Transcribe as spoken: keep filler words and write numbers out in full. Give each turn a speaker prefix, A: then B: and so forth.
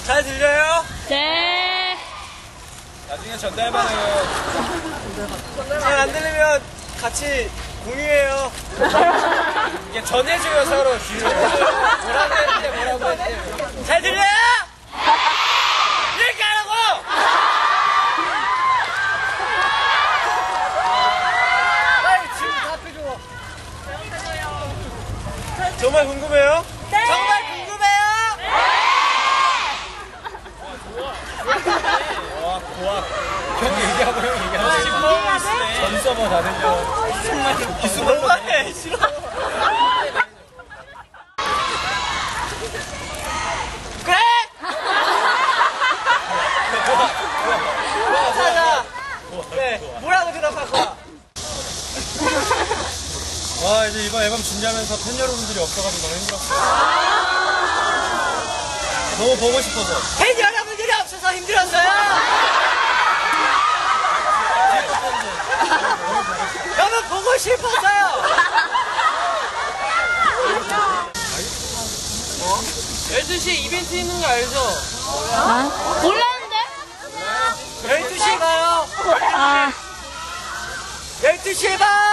A: 잘 들려요?
B: 네.
A: 나중에 전달받아요. 잘 안 들리면 같이 공유해요. 이게 전해줘요, 서로. 뭐라고 했대, 뭐라고 했대. 잘 들려요? 이렇게 하라고! 빨리 지금 답해줘. 정말 궁금해요?
B: 네.
A: 정말 궁금해요? 와, 고아. 형 얘기하고 형 얘기하고. 전 서버 다 들려. 정말 기술 너무하네. 싫어. 그래? 자자. 네. 뭐라고 대답할 거야? 와, 이제 이번 앨범 준비하면서 팬 여러분들이 없어가지고 너무 힘들었어요. 너무 보고 싶어서. 팬 여러분들이 없어서 힘들었어요. 너무 보고 싶었어요. 어? 열두 시에 이벤트 있는 거 알죠?
B: 아? 몰랐는데?
A: 열두 시에 가요.
B: 아.
A: 열두 시에 봐.